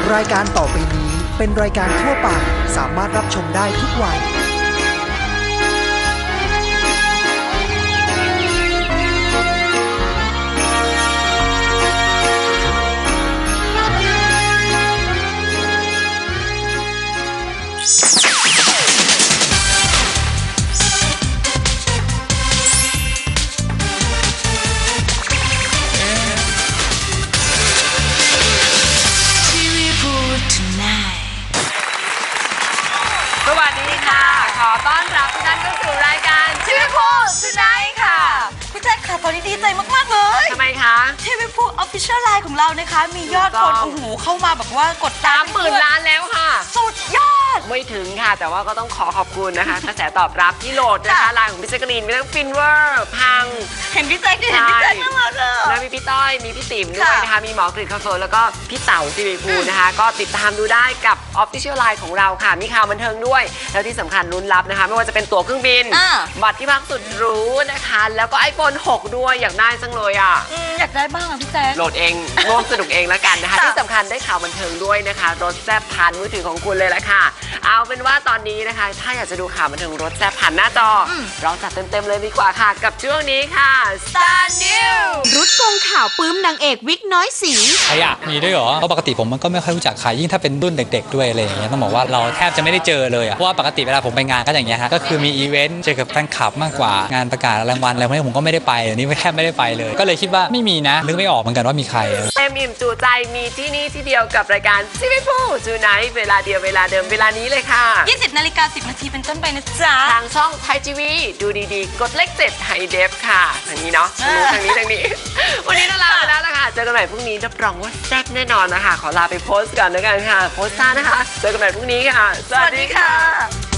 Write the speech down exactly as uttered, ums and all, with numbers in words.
รายการต่อไปนี้เป็นรายการทั่วไปสามารถรับชมได้ทุกวัยสวัสดีค่ะขอต้อนรับทุกท่านเข้าสู่รายการชีวิตคู่สุดไนท์ค่ะพี่แจ๊คค่ะตอนนี้ดีใจมากๆเลยทำไมคะชีวิตคู่ Official Line ของเรานะคะมียอดคนโอ้โหเข้ามาแบบว่ากดตาสาม มหมื่นล้านแล้วค่ะสุดยอดไม่ถึงค่ะแต่ว่าก็ต้องขอขอบคุณนะคะ กระแสตอบรับที่โหลดนะคะไลน์ของพี่แจ๊กกะลีนมีทั้งฟินเวอร์พังเห็นพี่แจ๊คดิเห็นพี่แจ๊คน่ารักเลยแล้วมีพี่ต้อยมีพี่ติ๋มด้วยนะคะมีหมอกฤษคาเฟิร์แล้วก็พี่เต๋าซีวีพูนะคะก็ติดตามดูได้กับ Official Line ของเราค่ะมีข่าวบันเทิงด้วยแล้วที่สำคัญลุ้นรับนะคะไม่ว่าจะเป็นตั๋วเครื่องบินบัตรที่พักสุดหรูนะคะแล้วก็ ไอโฟน หกด้วยอยากได้จังเลยอ่ะอยากได้บ้างอ่ะพี่แจ๊คโหลดเองร่วมสนุกเองแล้วกันนะคะที่สำคัญได้ข่าวบันเทิงด้วยนะคะรถแซ่บผ่านมือถือของคุณเลยละค่ะเอาเป็นว่าตอนนี้นะคะถ้าอยากจะดูข่าวบันเทิงรถแซ่บผ่านหน้าจอเราจัดเต็มๆเลยดีกว่าค่ะกับช่วงนี้ค่ะ Star News รุดกงข่าวปื้มนางเอกวิกน้อยสีใครอะมีด้วยเหรอเพราะปกติผมมันก็ไม่ค่อยรู้จักใครยิ่งถ้าเป็นรุ่นเด็กๆด้วยอะไรอย่างเงี้ยต้องบอกว่าเราแทบจะไม่ได้เจอเลยอะเพราะว่าปกติเวลาผมไปงานก็อย่างเงี้ยฮะก็คือมีอีเวนต์เจอกับแฟนคลับมากกว่างานประกาศรางวัลอะไรพวกนี้ผมก็ไม่ได้ไปอันนี้แทบไม่ได้ไปเลยก็เลยคิดว่าไม่มีนะนึกไม่ออกเหมือนกันว่ามีใครเต็มอิ่มจูใจมีที่นี่ที่เดียวกับรายการชีวิตคู่จูไนท์เวลาเดียวเวลาเดิมเวลานี้เลยค่ะยี่สิบนาฬิกาสิบนาทีเป็นต้นไปนะจ๊ะทางช่องไทยทีวีดูดีๆกดเลขเจ็ดไฮเดฟค่ะทางนี้เนาะทางนี้ทางนี้วันนี้เราลาไปแล้วนะคะเจอกันใหม่พรุ่งนี้รับรองว่าแซ่บแน่นอนนะคะขอลาไปโพสต์ก่อนแล้วกันค่ะโพสต์ซ่านะคะเจอกันใหม่พรุ่งนี้ค่ะสวัสดีค่ะ